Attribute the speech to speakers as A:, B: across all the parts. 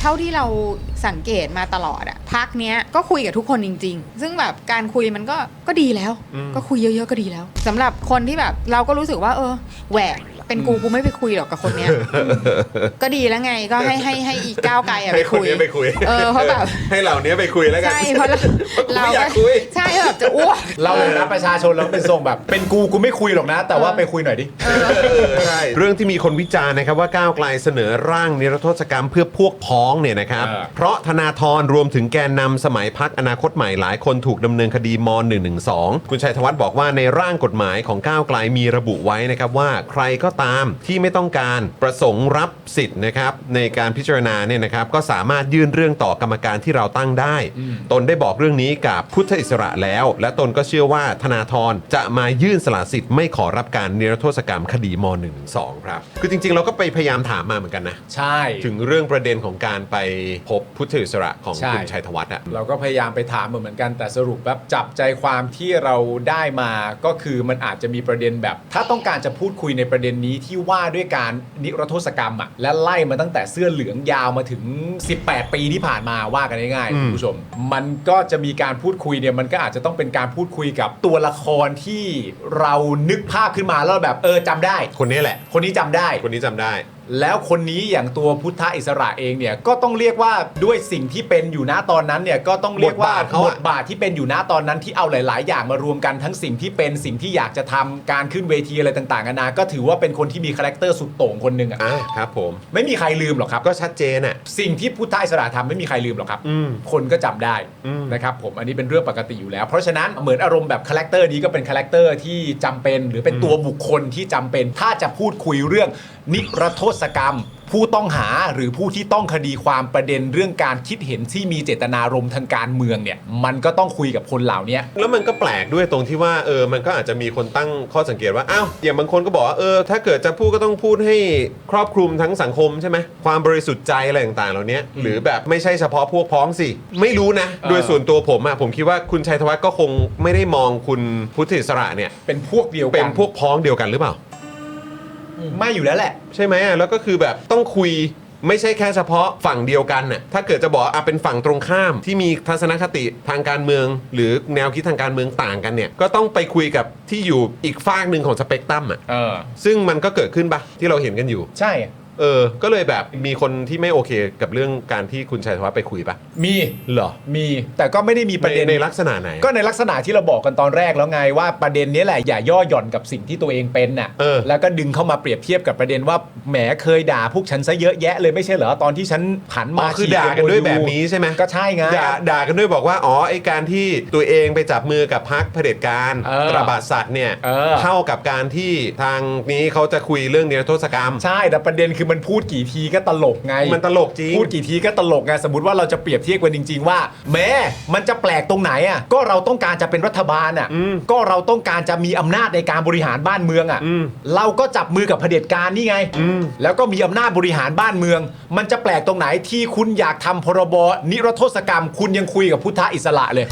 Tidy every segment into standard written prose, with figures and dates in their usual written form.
A: ท่าที่เราสังเกตมาตลอดอะพักเนี้ยก็คุยกับทุกคนจริงๆซึ่งแบบการคุยมันก็ดีแล้วก็คุยเยอะๆก็ดีแล้วสำหรับคนที่แบบเราก็รู้สึกว่าแหวกเป็นกูไม่ไปคุยหรอกกับคนเนี้ยก็ดีแล้วไงก็ให้อีกก้าวไกลไปคุยเพราะแบบ
B: ให้เหล่านี้ไปคุยแล้วกัน
A: ใช่เพราะเรา
B: อยากคุย
A: ใช่แบบจะอ้วก
C: เราเลยนะประชาชนเราเป็นทรงแบบเป็นกูไม่คุยหรอกนะแต่ว่าไปคุยหน่อยดิ
B: ใช่เรื่องที่มีคนวิจารณ์นะครับว่าก้าวไกลเสนอร่างนิรโทษกรรมเพื่อพวกพ้องเนี่ยนะครับเพราะธนาธรรวมถึงแกนนำสมัยพรรคอนาคตใหม่หลายคนถูกดำเนินคดีม.112 คุณชัยธวัฒน์บอกว่าในร่างกฎหมายของก้าวไกลมีระบุไว้นะครับว่าใครก็ตามที่ไม่ต้องการประสงค์รับสิทธิ์นะครับในการพิจารณาเนี่ยนะครับก็สามารถยื่นเรื่องต่อกรรมการที่เราตั้งได้ตนได้บอกเรื่องนี้กับพุทธอิสระแล้วและตนก็เชื่อว่าธนาธรจะมายื่นสละสิทธิ์ไม่ขอรับการนิรโทษกรรมคดีม.112 ครับคือจริงๆเราก็ไปพยายามถามมาเหมือนกันนะ
C: ใช่
B: ถึงเรื่องประเด็นของการไปพบพุทธอิสระของคุณชัยธวัฒน์อ่ะ
C: เราก็พยายามไปถามเหมือนกันแต่สรุปแบบจับใจความที่เราได้มาก็คือมันอาจจะมีประเด็นแบบถ้าต้องการจะพูดคุยในประเด็นนี้ที่ว่าด้วยการนิรโทษกรรมอ่ะและไล่มาตั้งแต่เสื้อเหลืองยาวมาถึง18ปีที่ผ่านมาว่ากันง่ายๆคุณผู้ชมมันก็จะมีการพูดคุยเนี่ยมันก็อาจจะต้องเป็นการพูดคุยกับตัวละครที่เรานึกภาพขึ้นมาแล้วแบบจำได้
B: คนนี้แหละ
C: คนนี้จำได้
B: คนนี้จำได้
C: แล้วคนนี้อย่างตัวพุทธอิสระเองเนี่ยก็ต้องเรียกว่าด้วยสิ่งที่เป็นอยู่ณตอนนั้นเนี่ยก็ต้องเรียกว่าบทบาทที่เป็นอยู่ณตอนนั้นที่เอาหลายๆอย่างมารวมกันทั้งสิ่งที่เป็นสิ่งที่อยากจะทำการขึ้นเวทีอะไรต่างๆนานาก็ถือว่าเป็นคนที่มีคาแรคเตอร์สุดโต่งคนหนึ่ง
B: ครับผม
C: ไม่มีใครลืมหรอกครับ
B: ก็ชัดเจนอ่ะ
C: สิ่งที่พุทธอิสระทำไม่มีใครลืมหรอกครับคนก็จำได้นะครับผมอันนี้เป็นเรื่องปกติอยู่แล้วเพราะฉะนั้นเหมือนอารมณ์แบบคาแรคเตอร์นี้ก็เป็นคาแรคเตอร์ที่จำเป็นหรือเป็นตัวบุคคลที่จำเป็นถ้าจะพูดคุยเรื่องนิรโทษกรรมผู้ต้องหาหรือผู้ที่ต้องคดีความประเด็นเรื่องการคิดเห็นที่มีเจตนารมณ์ทางการเมืองเนี่ยมันก็ต้องคุยกับคนเหล่านี้
B: แล้วมันก็แปลกด้วยตรงที่ว่ามันก็อาจจะมีคนตั้งข้อสังเกตว่าอ้าวอย่างบางคนก็บอกว่าถ้าเกิดจะพูดก็ต้องพูดให้ครอบคลุมทั้งสังคมใช่ไหมความบริสุทธิ์ใจอะไรต่างๆเหล่านี้หรือแบบไม่ใช่เฉพาะพวกพ้องสิไม่รู้นะโดยส่วนตัวผมคิดว่าคุณชัยธวัฒน์ก็คงไม่ได้มองคุณพุทธอิสระเนี่ย
C: เป็นพวกเดียวกัน
B: เป็นพวกพ้องเดียวกันหรือเปล่า
C: ไม่อยู่แล้วแหละ
B: ใช่ไหมแล้วก็คือแบบต้องคุยไม่ใช่แค่เฉพาะฝั่งเดียวกันน่ะถ้าเกิดจะบอกเป็นฝั่งตรงข้ามที่มีทัศนคติทางการเมืองหรือแนวคิดทางการเมืองต่างกันเนี่ยก็ต้องไปคุยกับที่อยู่อีกฝากหนึ่งของสเปกตรัมซึ่งมันก็เกิดขึ้นปะที่เราเห็นกันอยู่
C: ใช่
B: ก็เลยแบบมีคนที่ไม่โอเคกับเรื่องการที่คุณชัยธวัฒน์ไปคุยปะ
C: มี
B: เหรอ
C: มีแต่ก็ไม่ได้มีประเด็น
B: ในลักษณะไหน
C: ก็ในลักษณะที่เราบอกกันตอนแรกแล้วไงว่าประเด็นนี้แหละอย่าย่อหย่อนกับสิ่งที่ตัวเองเป็นน่ะแล้วก็ดึงเข้ามาเปรียบเทียบกับประเด็นว่าแหมเคยด่าพวกฉันซะเยอะแยะเลยไม่ใช่เหรอตอนที่ฉันหันมา
B: คือด่ากันด้วยแบบนี้ใช่ไหม
C: ก็ใช่ไง
B: ด่ากันด้วยบอกว่าไอ้การที่ตัวเองไปจับมือกับพรรคเผด็จการตราบาดสัตว์เนี่ยเท่ากับการที่ทางนี้เขาจะคุยเรื่องนิรโทษกรรม
C: ใช่แต่ประเด็นคือมันพูดกี่ทีก็ตลกไง
B: มันตลกจริง
C: พูดกี่ทีก็ตลกไงสมมติว่าเราจะเปรียบเทียบกันจริงๆว่าแม้มันจะแปลกตรงไหนอ่ะก็เราต้องการจะเป็นรัฐบาลอ่ะก็เราต้องการจะมีอำนาจในการบริหารบ้านเมืองอ่ะเราก็จับมือกับเผด็จการนี่ไงแล้วก็มีอำนาจบริหารบ้านเมืองมันจะแปลกตรงไหนที่คุณอยากทำพรบนิรโทษกรรมคุณยังคุยกับพุทธอิสระเลย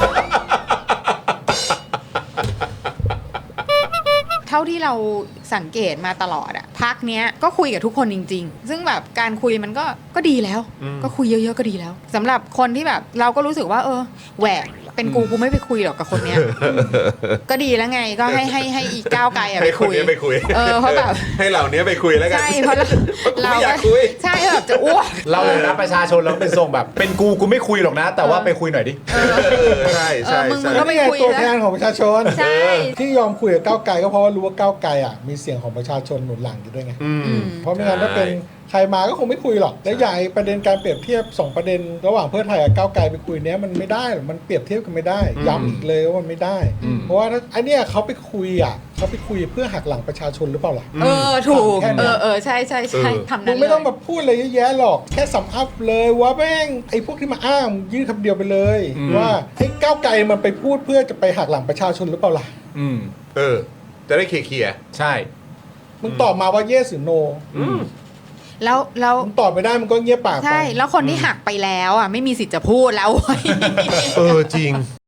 A: เท่าที่เราสังเกตมาตลอดอะพักเนี้ยก็คุยกับทุกคนจริงๆซึ่งแบบการคุยมันก็ดีแล้วก็คุยเยอะๆก็ดีแล้วสำหรับคนที่แบบเราก็รู้สึกว่าแหวกเป็นกูไม่ไปคุยหรอกกับคนเนี้ยก็ดีแล้วไงก็ให้อีกก้าวไกลไปคุยเพราะแบบ
B: ให้เหล่านี้ไปคุยแล้วกัน
A: ใช่เพราะเรา
B: อยากคุย
A: ใช่แบบจะอ้วก
C: เราเลยนะประชาชนเราเป็นทรงแบบเป็นกูไม่คุยหรอกนะแต่ว่าไปคุยหน่อยดิ
B: ใช่ใช่
A: มึงก็ไม่คุย
D: ตัวแทนของประชาชน
A: ใช่
D: ที่ยอมคุยกับก้าวไกลก็เพราะว่ารู้ว่าก้าวไกลมีเสียงของประชาชนหนุนหลังอยู่ด้วยไงเพราะไม่งั้นถ้าเป็นใครมาก็คงไม่คุยหรอกและใหญ่ประเด็นการเปรียบเทียบ2ประเด็นระหว่างเพื่อไทยกับก้าวไกลไปคุยเนี้ยมันไม่ได้หรอกมันเปรียบเทียบกันไม่ได้ย้ำอีกเลยว่ามันไม่ได้เพราะว่าไอเนี้ยเขาไปคุยเพื่อหักหลังประชาชนหรือเปล่าล่ะ
A: ถูกใช่ทำนั้น
D: มึงไม่ต้องมาพูดอะไรเยอะแยะหรอกแค่สัมภาษณ์เลยว่าแม่งไอ้พวกที่มาอ้างยื่นคำเดียวไปเลยว่าไอ้ก้าวไกลมันไปพูดเพื่อจะไปหักหลังประชาชนหรือเปล่าล่ะ
B: จะได้เคลียร์
C: ใช่
D: มึงตอบมาว่า yes หรือ no
A: แล้ว
D: มึงตอบไม่ได้มึงก็เงียบปากไป
A: ใช่แล้วคนที่หักไปแล้วอ่ะไม่มีสิทธิ์จะพูดแล้ว
B: จริง